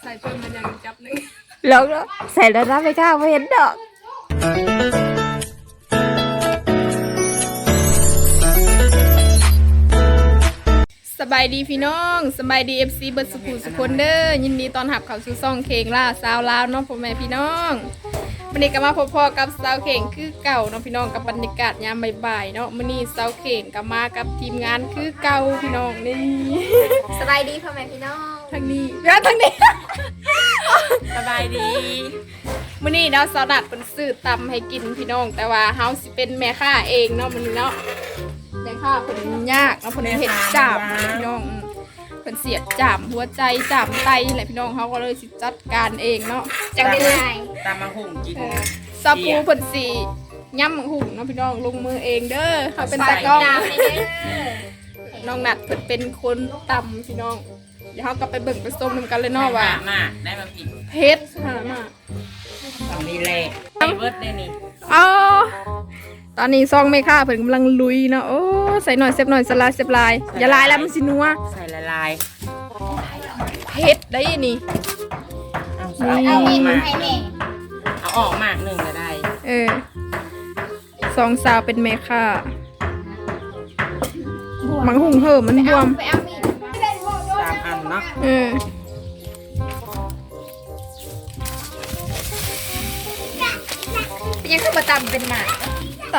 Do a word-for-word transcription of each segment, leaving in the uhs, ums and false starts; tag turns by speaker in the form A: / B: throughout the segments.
A: ส่เพิ่มมันยังจับหนึ่ง
B: แล้วใส่แล้วนะไม่กล้าไม่เห็นดอกสบายดีพี่น้องสบายดีเอฟซีเบิร์ดสกูสุคนเด้อยินดีตอนหับเข้าสู่ซ่องเคงล่าสาวลาวเนาะพ่อแม่พี่น้องวันนี้ก็มาพบพ่อกับสาวเข่งคือเก่าเนาะพี่น้องกับบรรยากาศยามบ่ายๆเนาะมื้อนี้สาวเข่งก็มากับทีมงานคือเก่าพี่น้องนี่
C: สบายดีพ่อแม่พี่น้อง
B: ทางนี้แล้วทางนี้
C: สบายดี
B: มื้อนี้เนาะสาวนัดเพิ่นซื้อตำให้กินพี่น้องแต่ว่าเฮาสิเป็นแม่ค้าเองเนาะมื้อนี้เนาะแม่ค้าเพิ่นยากเนาะเพิ่นเฮ็ดจามพี่น้องเพิ่นเสียดจามหัวใจจามไตแหละพี่น้องเฮาก็เลยสิจัดการเองเนาะ
C: จังได้ไง
D: ตามมาหุ่งกิน
B: ซาปูเพิ่นสิย่ำหุ่งเนาะพี่น้องลงมือเองเด้อเฮาเป็นตากล้อง
C: ดาวในเด้อ
B: น้องนัดเพิ่นเป็นคนตำพี่น้องเดี๋ยวเฮาก็ไปเบิ่งไปส้มนำกันเลยเนาะว่า
D: มาได้มาผิด
B: เผ็ดหามา
D: ตอนนี้แหละไอเบิร์ดได้นี่
B: อ๋อตอนนี้ซองแม่ค้าเพิ่นกำลังลุยเนาะโอ้ใส่หน่อยเซฟหน่อยสลายเซฟลายอย่าลายแล้วมันสินัว
D: ใส่ละลาย
B: เผ็ดได้นี่
D: เอา
B: นี่
D: เอา
C: เอา
D: อ
C: เอ
D: อก
C: ง
D: มา
C: ให้แม่
D: เอาออกมากหนึ่งก็ได้
B: เออสองสาวเป็นแม่ค้ามังหุงเหิมมันบวม
C: ไปเอามีด
D: สามอันเนาะ
B: เออ
C: ยังคือมาตำเป็นหมา
B: ต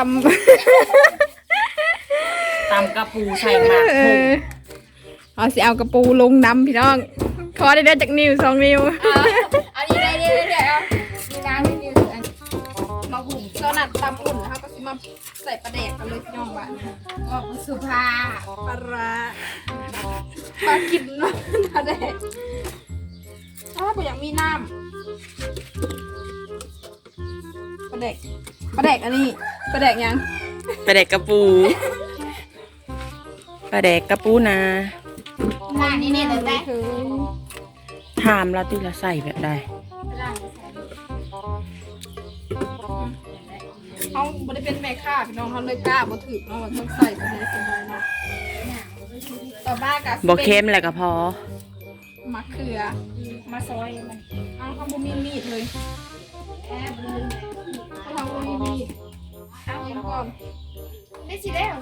D: ตำกระปูใส่
B: ำ
D: หมาก
B: เอ
D: หุ่ง
B: อเอาสิเอากระปูลงน้ำพี่น้องขอได้เด้อจากนิ้วสองนิ้ว
C: เอาดีได้ดีเลยเดี๋ยวเอาดีน้ำดีดีอัน
B: มาหุงตอนนั้นตำอุ่นนะคะก็สิมาใส่ปลาแดกกันเลยพี่น้องบ้าน
C: ก็สุภา
B: ปลาร้าปลากินเนาะปลาแดกถ้าผมอยากมีน้ำปลาแดกปลาแดกอันนี้ปลาแดกยัง
D: ปลาแดกกระปูปลาแดกกระปูนา
C: หน้านี่นี่เลยได้
B: คือ
D: ถามเราที่เราใส่แบบใด
B: เขาไม่ได้เป็นแม่ค้าพี่น้องเขาเลยกล้าบ่ถือเนาะว่าต้องใส่ปลาแดกเป็นไรเนาะต่อมากับ
D: บอกเค็มแหละก็พอ
B: มะเขือ
C: มาซอยมัน
B: เอาเขาบ่มีมีดเลย
C: แอบลืม
B: เขาทำบ่มีมีดเอาเองก่อน
C: ได้สิแล้ว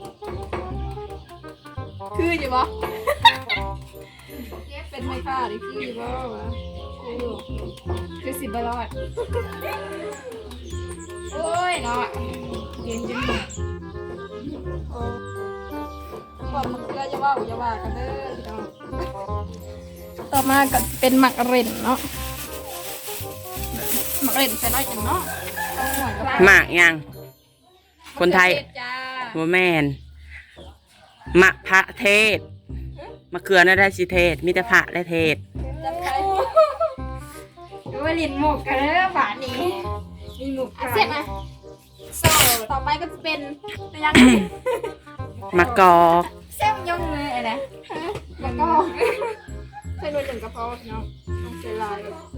B: คืออยู่บ่ เป็นแม่ค้าดิคืออยู่บ่วะคืออยู่คือสิบรอด
C: โอ้ยเนาะ
B: เย็นจังเลยโอ้บอกมะเขืออย่าว่าอย่าว่ากันเด้อพี่น้องต่อมาก็เป็นหมักเร่นเนาะหมักเร่นใส่น้อยจังเนาะเอาหน่อยก็
D: หมากยัง คนไทย
B: มะเขือเทศจ้า
D: โมแมนมะพระเทศมะเขือน่าได้สิเทศ มีแต่พระและเทศ
B: จับไป
C: ดูว่าลิ้นหมกกันแล้วฝานี้
B: มีหมู
C: อ่ะ
B: เส
C: เส
B: ร็
C: ร็
B: จ
C: จ
B: ไหม
C: นะ
B: โซ่ต่อไปก็จะเป็นยัง
D: มะกอก
C: เส้นยงเลยอะไร
B: แล้วก็ใส่หน่วยหนึ่งกระเพาะเนาะต้องใส่ลาย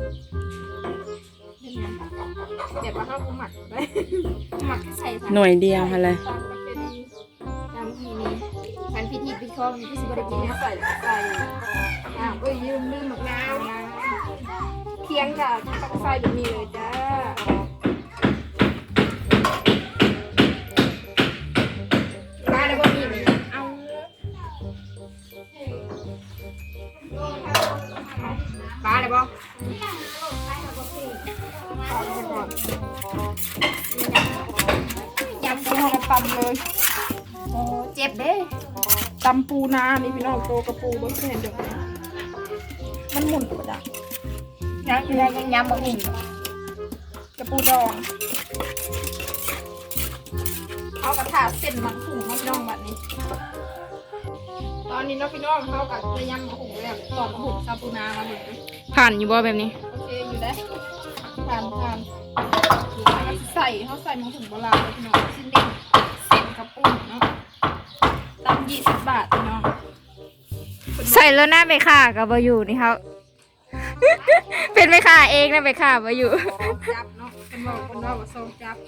B: เดี๋ยวมาเข้าหมักได้
C: หมักใส่ใส่
D: หน่วยเดียวอะไร
B: ตามประเพณี
C: ตามทีนี้พันพิธีปิดคองที่สิบริกิน
B: ใส่ใส่อ่าเอ้ยยืมลืมหมักนาวนะเคียงจ้ะตักใส่แบบนี้เลยจ้ามาแล้วก็มีเลยเอาปลาเลยบ่ยำปูกระตำเลย
C: โอ้เจ็บเด้
B: ตำปูนานี่พี่น้องโตกระปูบนเส้นเดียวกันมันหมุนกระดัก
C: ยังยังยังยำบะหมี่
B: กระปูดองเอากระถาเส้นหมักหุงมาพี่น้องแบบนี้ ตอนนี้เนาะพี่น้องเขากับจะยำหมักหุงแบบตอกหมักหุงซาปูนามาเลย
A: ผ่านอยู่บ่แบบนี้
B: โอเคอยู่ได้ทานทานใส่เขาใส่หมักหุงโบราณเลยพี่น้องชิ้นเด็กเส้นกระปูเนาะตำยี่สิบบาทพี่น้อง
A: ใส่แล้วหน้าไปค่ะกับบ่อยู่นี่เขา เป็นไปค่ะเองนะไปค่ะบ่อยู่
B: จับเนาะเป็นบอกเป็นว่าว่าโซจับ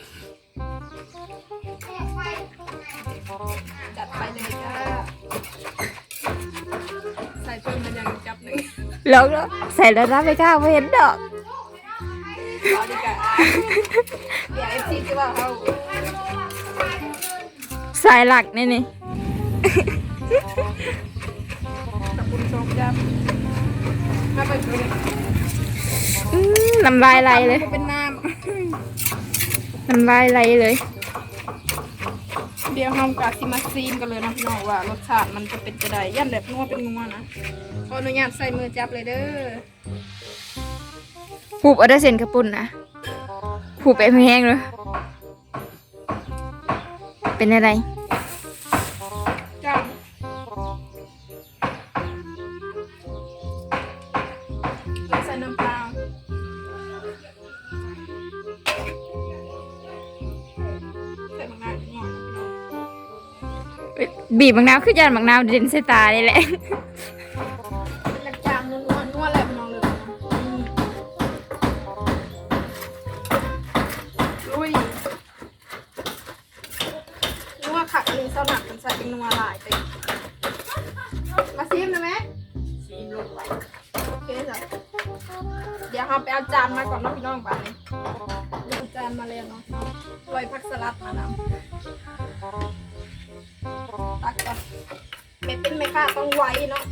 B: จัดไปเลยจ้าใส่เพิ่มมันยังจับหนึ่ง
A: แล้วก็ใส่แล้วนะไม่กล้าไม่เห็นดอก
B: เอาดีกว่าเดี๋ยวเอฟซีจะว่าเขา
A: สายหลักนี่นี่
B: ตะปุนชมจับมาไปเลย
A: อื้อน้ำลายไหลเลย
B: เป็นน้
A: น้ำลายไหลเลย
B: ำเดี๋ยวเรากะซิมาซีนกันเลยนะพี่น้องว่ารสชาติมันจะเป็นจะได้ยันแบบนัวเป็นนัวนะขออนุญาตใส่มือจับเลยเด้อ
A: ผูบเอาได้เส้นกระปุ่นนะผูบไปแห้งเลยเป็นอะไร
B: จับแล้วใส่น้ำปลาใส่มะนาวนิดหน่อย
A: บีบบางนาวคือยานบางนาวเด่นใส่ตาเลยแหละ
B: เป็นกระจางนัวๆนัวแหละพี่น้องเลยนะลุยนัวขัดอันนี้เศร้าหนักมันใส่เป็นนัวหลายไปมาซิมได้ไหมซิมลงไปโอเคจ้ะเดี๋ยวเราไปเอาจานมาก่อนเนาะพี่น้องบ้านนี้เอาจานมาเลยเนาะโรยผักสลัดมานำตักก่อนเม็ดเป็นไหมค่ะต้องไว้เนาะ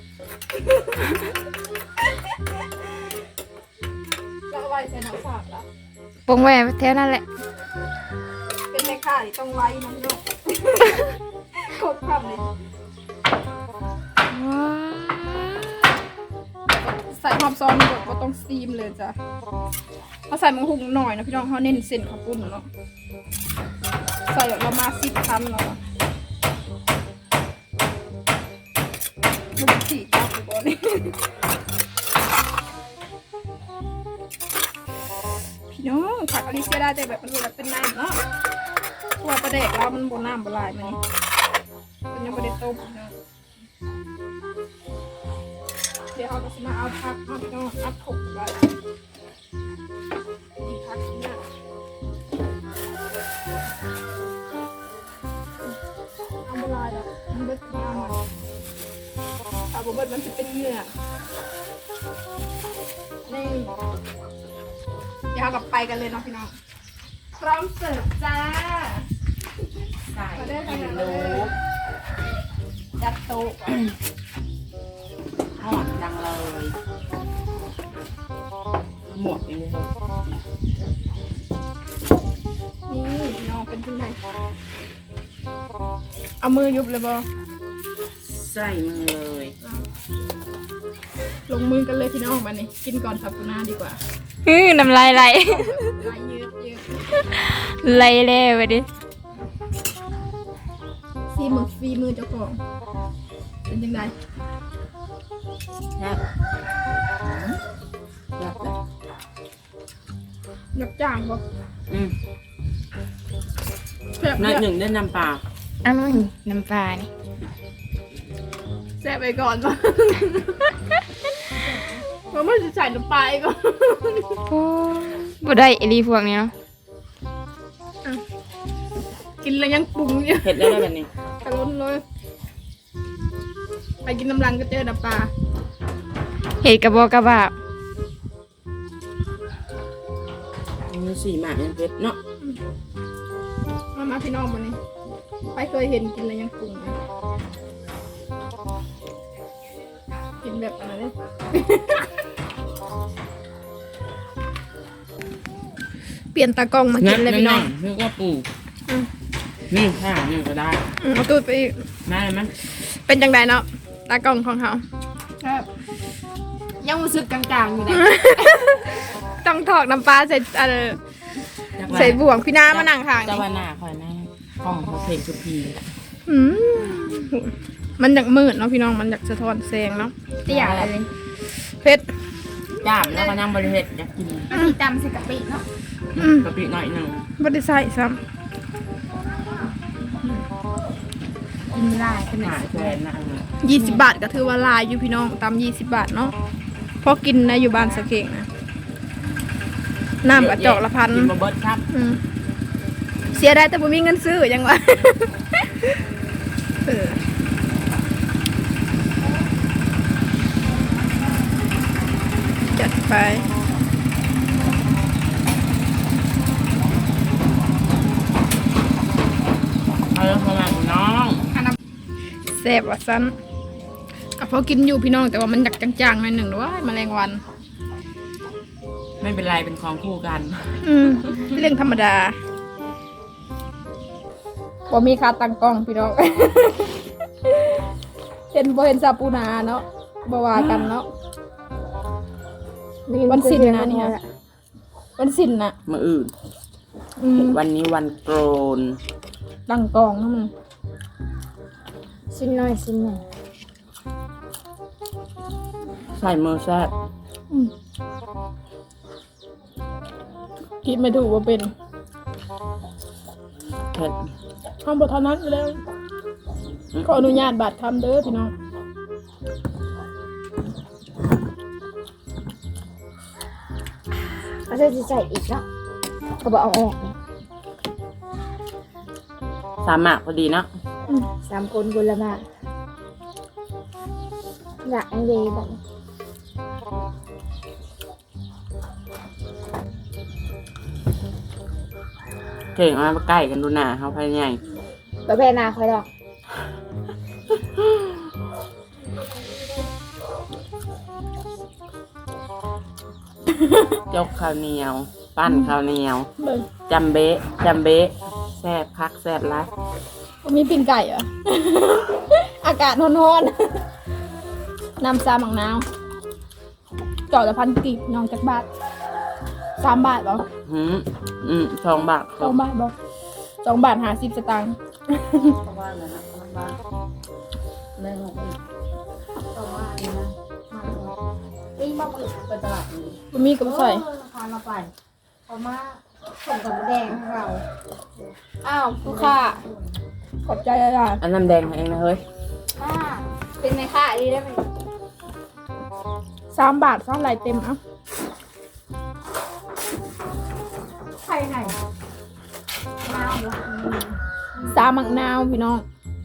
B: แล้วไว้ใส่น้ำสาดแล้ว
A: ปงแหวแถวนั่นแหละ
B: เป็นไหมค่ะที่ต้องไว้น้ำเนาะ โคตรคำเลยใส่หอมซอนหมดก็ต้องซีมเลยจ้ะเขาใส่มังหุงหน่อยนะพี่น้องเขาเน้นเส้นข้าวปุ้นเนาะใส่แบบประมาณสิบคำเนาะมันสี่จับก่อนนี่ พี่น้องผักอลิเซียได้แต่แบบมันดูแบบเป็นน้ำเนาะตัวปลาแดกเรามันบนน้ำบนลายมันนี่มันยังไม่ได้ต้มเนาะเดี๋ยวเราจะมาเอาผักเอาพี่น้องอัดถกไปนี่ผักเนี่ยเอาบนลายแล้วมันเบิดน้ำมันเอาบนเบิดมันจะเป็นเหงื่อนี่ เดี๋ยวเรากลับไปกันเลยเนาะพี่น้องพร้อมเสิร์ฟจ้า
D: ใส่
B: มาได้ทาง
D: กิ
B: ไหน
D: โล
B: เลยจัดโต๊ะก่อน
D: หอมจังเลยหมวกอยู่เลย
B: นี่พี่น้องเป็นที่ไหนเอามือยุบเลยบอ
D: ใส่มือเลย
B: ลงมือกันเลยพี่น้องมานี่กินก่อนสับปูนาดีกว่า
A: อื้อน้ำลายไหล
B: ลายยืดยืด
A: ไหลเลยไปดิ
B: ซีมือฟีมือเจ้าของเป็นยังไง
D: แซ่บแซ่บเลย
B: ยับจ้างบอก
D: อืม
B: แซ่บ
D: น้อยห
B: เนี่ย
D: นึ่งได้น้ำปลา
A: อ้าวน้ำปลานี่
B: แซ่บไปก่อนมาเราไม่จะใส่น้ำปลาอีกก่อน
A: โอ้บ่ได้ไอรีพวกนี้เนาะ
B: กินแล้วยังปรุงอยู่
D: เผ็ดได้แล้วแบบนี้
B: กระล้นเลยไปกินน้ำรังก็เจอน้ำปลา
A: เห็ดกระบอกกระบาบ
D: มีสี่หมากยังเผ็ดเนาะ
B: มามาพี่น้องวันนี้ไปเคยเห็นกินแล้วยังปรุงเลยกินแบบอะไรเนี่ยเปลี่ยนตากล้องมากินเลยพี่น้อง
D: นึกว่าปู
B: อืม
D: นี่ข้างนี่ก็ได้
B: อืมเอาตูดไปอีก
D: ได้ไหม
B: เป็นจังไดเนาะตากล้องของเขา
C: ยังรู้สึกกลางๆอยู่นะ
B: ต้องถอกน้ำปลาใส่เอ่อใส่บ่วงพี่น้ามานั่งข้าง
D: จะ
B: นี่
D: วันหน้าคอยแม่กล้องเขาเพลงสุพี
B: อืมมันอยากมืดเนาะพี่น้องมันอยากสะท้อนแสงเนาะ
C: เตี้ยอะไรเลย
B: เผ็ด
D: จ้ามแล้วก็นั่งบริเวณอยากกิน
C: อันนี้ตำใส่กะปิเนาะ
B: อืม
D: กะปิหน่อยหนึ่ง
B: บ่ได้ใส่ซ้
C: กินลายขนา
D: หา
C: ด
D: แฟนนั่ง
B: ำยี่สิบบาทก็ถือว่าหลายอยู่พี่น้องตำยี่สิบบาทเนาะพอกินนะอยู่บ้านสะเข่งนะน้ำกระจอกละพัน
D: กินมาเบิร์ดครับ
B: อืมเสียได้แต่บ่มีเงินซื้อยังวะ เออจัดไป
D: เอาเรื่องของมันน้อง
B: แซ่บว่าสั้นก็พอกินอยู่พี่น้องแต่ว่ามันอยากจางๆหน่อยหนึ่งด้วยแมลงวัน
D: ไม่เป็นไรเป็นของคู่กัน
B: อืมเรื่องธรรมดาบ่มีค่าตั้งกล้องพี่น้อง เห็นบ่เห็นซาปูนาเนาะบ่ว่ากันเนาะวันศิลป์นะเนี่ยวันศิลป์นะ
D: มืออื่น
B: อืม
D: วันนี้วันโกน
B: ตั้งกล้องนะมึง
C: ชิ้นน้อยชิ้นหนึ่ง
D: ใส่มือแซ่บ
B: อืมคิดไม่ถูกว่าเป็น
D: เผ็ด
B: ทำบทเท่านั้นอยู่แล้วขออนุญาตบาดคำเด้อพี่น้อง
C: เขาจะใส่อีกแล้วก็บอกเอาออก
D: สามหมากพอดีเนาะ
C: สามคนคนละมากอยากอันเวแบบ
D: เก่งเอามาใกล้กันดูหน้าเขาภายใน
C: แบบแพนาคอยดอก
D: ยกข้าวเหนียว ปั้นข้าวเหนียว
B: เบิ่ง
D: จำเบะจำเบะแซ่บคักแซ่บไร
B: มีปิ้งไก่เหรอ อากาศร้อนๆน้ำซาหมังนาวจอดละพันกีบน้องจักบาทสามบาทเหรอ
D: หืมอืมสองบาท
B: สองบาทบอกสองบาทหาสิบสตางค์
C: นี่มาเปิดเปิดตลาดนี้
B: บะหมี่กับใส่
C: พาเราไปเขามาส่งกับแดงให้เรา
B: อ้าวลูกค้าขอบใจอาจารย์
D: อันน้ำแดงให้เองนะเฮ้ย
C: อ่าเป็นไงค่ะดีได้ไหม
B: สามบาทสามลายเต็มเอ้า
C: ใครไหนน้ำเหรอ
B: สามหมักนาวพี่น้อง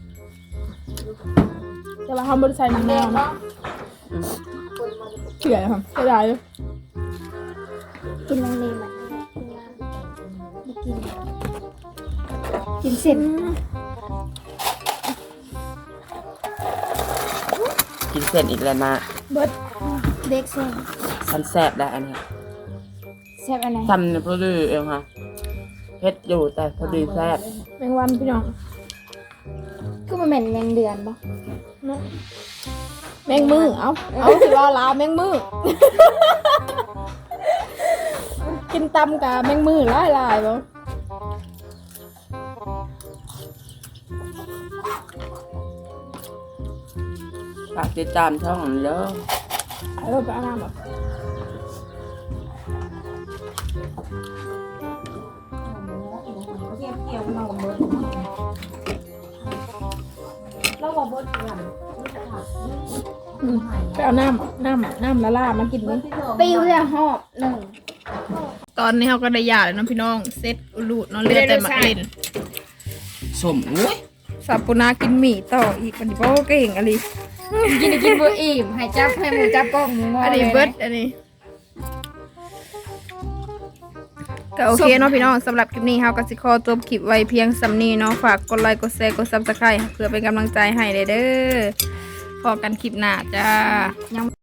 B: แต่ว่าเขาไม่ได้ใส่หมัก
C: แด
B: นาว
C: ง
B: นะ
C: เนาะ
D: อืม
B: เฉื่อยครับเสียดายเลย
C: กินน้ำเนยไหมไม่กินกินเสร็จ
D: กินเสร็จอีกแล้วนะ
B: เบิด
C: เด็กเส้น
D: ฉันแซ่บแล้วอันนี้
C: แซ่บอะไร
D: ทำเนี่ยพอดีเองค่ะเผ็ดอยู่แต่พอดีแซ่บ
B: แมงวันพี่น้อง
C: คือมันเหม็นแมงเดือนปะ
B: เนาะแมงมือเอาเอาสิรอลาวแมงมือ กินตำกับแมงมือหลายลายๆบ่
D: ฝากติดตามช่องหน่อยเด้อ
B: เอาไปเอาน้ำบ่ อืมไปเอาน้ำน้ำน้ำละลามากินนี่
C: ปิวจะหอบหนึ่ง
B: ตอนนี้เขาก็ได้ยาเลยเนาะพี่น้องเซ็ตอุลูดเนาะเหลือแต่หมักเล่น
D: สมอุ้ย
B: ซาปูนากินหมี่ต่ออีกวันนี้เพราะว่าเก่งอะไร
C: กินได้กินบัวอิ่มให้จับให้หมูจับกล้องหมูงอ
B: อันนี้
C: เลย
B: เบิร์ดอันนี้ก็โอเคเนาะพี่น้องสำหรับคลิปนี้เฮาก็สิขอจบคลิปไว้เพียงสำนี้เนาะฝากกดไลค์กดแชร์กดซับสไครต์เพื่อเป็นกำลังใจให้เด้อพอกันคลิปหน้าจ้า